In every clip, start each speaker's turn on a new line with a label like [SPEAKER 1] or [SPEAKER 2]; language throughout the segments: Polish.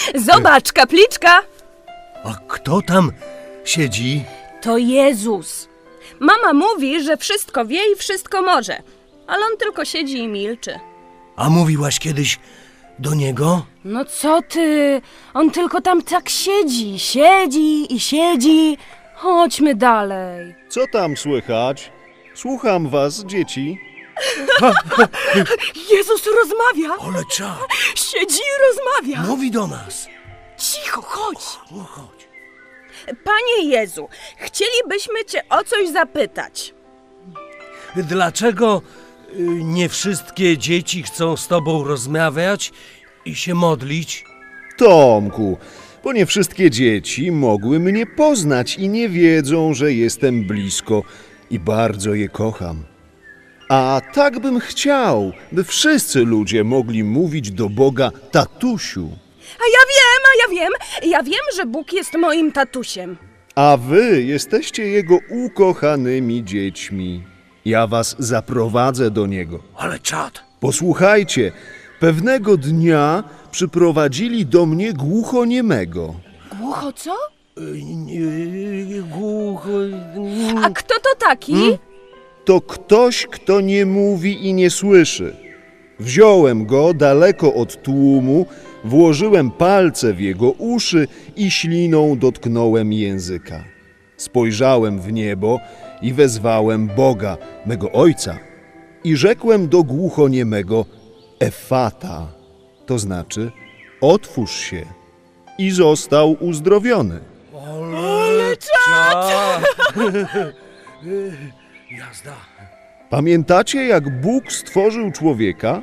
[SPEAKER 1] Zobacz, kapliczka!
[SPEAKER 2] A kto tam siedzi?
[SPEAKER 1] To Jezus. Mama mówi, że wszystko wie i wszystko może, ale on tylko siedzi i milczy.
[SPEAKER 2] A mówiłaś kiedyś do niego?
[SPEAKER 1] No co ty? On tylko tam tak siedzi i siedzi. Chodźmy dalej.
[SPEAKER 3] Co tam słychać? Słucham was, dzieci.
[SPEAKER 1] Jezus rozmawia.
[SPEAKER 2] Ale czad,
[SPEAKER 1] Siedzi i rozmawia.
[SPEAKER 2] mówi do nas.
[SPEAKER 1] Cicho, chodź.
[SPEAKER 2] No chodź.
[SPEAKER 1] Panie Jezu, chcielibyśmy cię o coś zapytać.
[SPEAKER 2] Dlaczego nie wszystkie dzieci chcą z tobą rozmawiać i się modlić?
[SPEAKER 3] Tomku, bo nie wszystkie dzieci mogły mnie poznać i nie wiedzą, że jestem blisko i bardzo je kocham. A tak bym chciał, by wszyscy ludzie mogli mówić do Boga tatusiu.
[SPEAKER 1] Ja wiem, że Bóg jest moim tatusiem.
[SPEAKER 3] A wy jesteście Jego ukochanymi dziećmi. Ja was zaprowadzę do Niego.
[SPEAKER 2] Ale czad.
[SPEAKER 3] Posłuchajcie, pewnego dnia przyprowadzili do mnie głuchoniemego.
[SPEAKER 1] Głucho co?
[SPEAKER 2] Głucho...
[SPEAKER 1] A kto to taki?
[SPEAKER 3] To ktoś, kto nie mówi i nie słyszy. Wziąłem go daleko od tłumu, włożyłem palce w jego uszy i śliną dotknąłem języka. Spojrzałem w niebo i wezwałem Boga, mego Ojca, i rzekłem do głuchoniemego Efata, to znaczy otwórz się, i został uzdrowiony.
[SPEAKER 2] Ale czad. Jazda.
[SPEAKER 3] Pamiętacie, jak Bóg stworzył człowieka?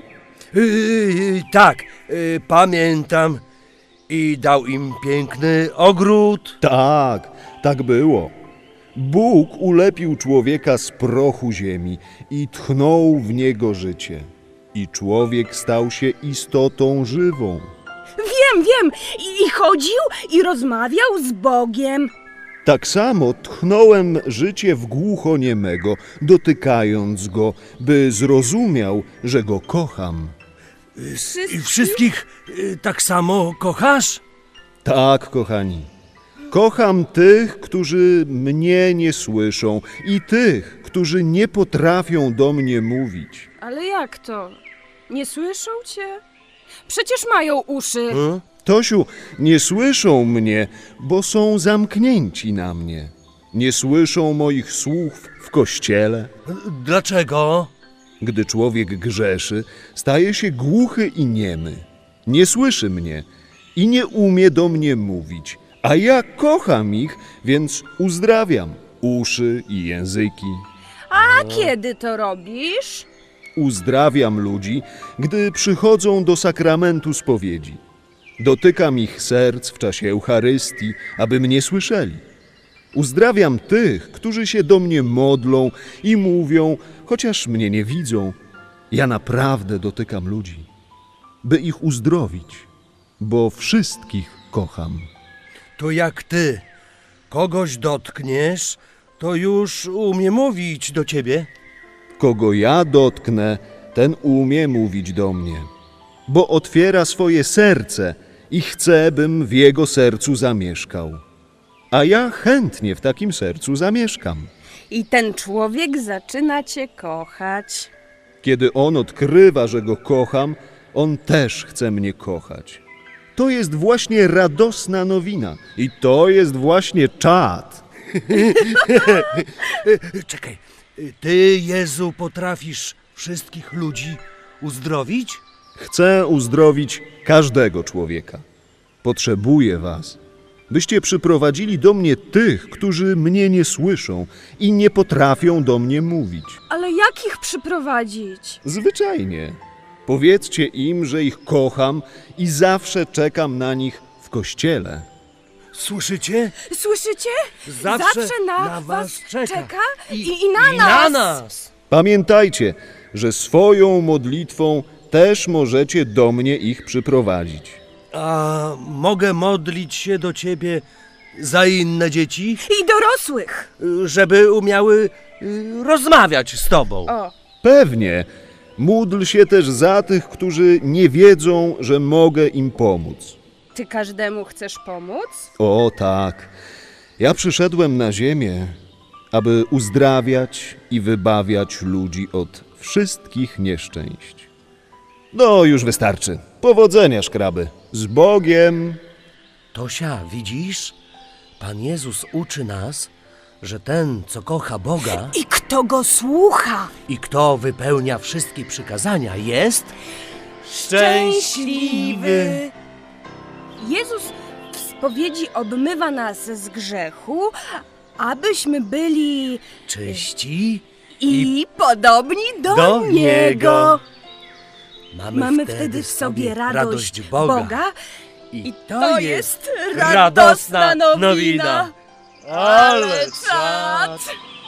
[SPEAKER 2] Tak, pamiętam. I dał im piękny ogród.
[SPEAKER 3] Tak, tak było. Bóg ulepił człowieka z prochu ziemi i tchnął w niego życie. I człowiek stał się istotą żywą.
[SPEAKER 1] Wiem. I chodził i rozmawiał z Bogiem.
[SPEAKER 3] Tak samo tchnąłem życie w głuchoniemego, dotykając go, by zrozumiał, że go kocham.
[SPEAKER 2] I wszystkich tak samo kochasz?
[SPEAKER 3] Tak, kochani. Kocham tych, którzy mnie nie słyszą i tych, którzy nie potrafią do mnie mówić.
[SPEAKER 1] Ale jak to? Nie słyszą cię? Przecież mają uszy.
[SPEAKER 3] Tosiu, nie słyszą mnie, bo są zamknięci na mnie. Nie słyszą moich słów w kościele.
[SPEAKER 2] Dlaczego?
[SPEAKER 3] Gdy człowiek grzeszy, staje się głuchy i niemy. Nie słyszy mnie i nie umie do mnie mówić. A ja kocham ich, więc uzdrawiam uszy i języki.
[SPEAKER 1] A kiedy to robisz?
[SPEAKER 3] Uzdrawiam ludzi, gdy przychodzą do sakramentu spowiedzi. Dotykam ich serc w czasie Eucharystii, aby mnie słyszeli. Uzdrawiam tych, którzy się do mnie modlą i mówią, chociaż mnie nie widzą. Ja naprawdę dotykam ludzi, by ich uzdrowić, bo wszystkich kocham.
[SPEAKER 2] To jak ty kogoś dotkniesz, to już umie mówić do ciebie.
[SPEAKER 3] Kogo ja dotknę, ten umie mówić do mnie, bo otwiera swoje serce i chce, bym w jego sercu zamieszkał. A ja chętnie w takim sercu zamieszkam.
[SPEAKER 1] I ten człowiek zaczyna cię kochać.
[SPEAKER 3] Kiedy on odkrywa, że go kocham, on też chce mnie kochać. To jest właśnie radosna nowina i to jest właśnie czad.
[SPEAKER 2] Czekaj, ty, Jezu, potrafisz wszystkich ludzi uzdrowić?
[SPEAKER 3] Chcę uzdrowić każdego człowieka. Potrzebuję was, byście przyprowadzili do mnie tych, którzy mnie nie słyszą i nie potrafią do mnie mówić.
[SPEAKER 1] Ale jak ich przyprowadzić?
[SPEAKER 3] Zwyczajnie. Powiedzcie im, że ich kocham i zawsze czekam na nich w kościele.
[SPEAKER 2] Słyszycie?
[SPEAKER 1] Słyszycie?
[SPEAKER 2] Zawsze
[SPEAKER 1] na was czeka i
[SPEAKER 2] I na nas.
[SPEAKER 3] Pamiętajcie, że swoją modlitwą też możecie do mnie ich przyprowadzić.
[SPEAKER 2] A mogę modlić się do ciebie za inne dzieci,
[SPEAKER 1] I dorosłych.
[SPEAKER 2] żeby umiały rozmawiać z tobą?
[SPEAKER 1] O,
[SPEAKER 3] Pewnie. Módl się też za tych, którzy nie wiedzą, że mogę im pomóc.
[SPEAKER 1] Ty każdemu chcesz pomóc?
[SPEAKER 3] O tak, ja przyszedłem na ziemię, aby uzdrawiać i wybawiać ludzi od wszystkich nieszczęść. No, już wystarczy. Powodzenia, szkraby. Z Bogiem!
[SPEAKER 2] Tosia, widzisz? Pan Jezus uczy nas, że ten, co kocha Boga
[SPEAKER 1] I kto go słucha?
[SPEAKER 2] i kto wypełnia wszystkie przykazania, jest
[SPEAKER 1] Jezus w spowiedzi obmywa nas z grzechu, abyśmy byli
[SPEAKER 2] czyści
[SPEAKER 1] i podobni do,
[SPEAKER 2] do
[SPEAKER 1] Niego.
[SPEAKER 2] Niego.
[SPEAKER 1] Mamy wtedy w sobie radość Boga
[SPEAKER 2] I
[SPEAKER 1] to jest radosna nowina.
[SPEAKER 2] Ale czad!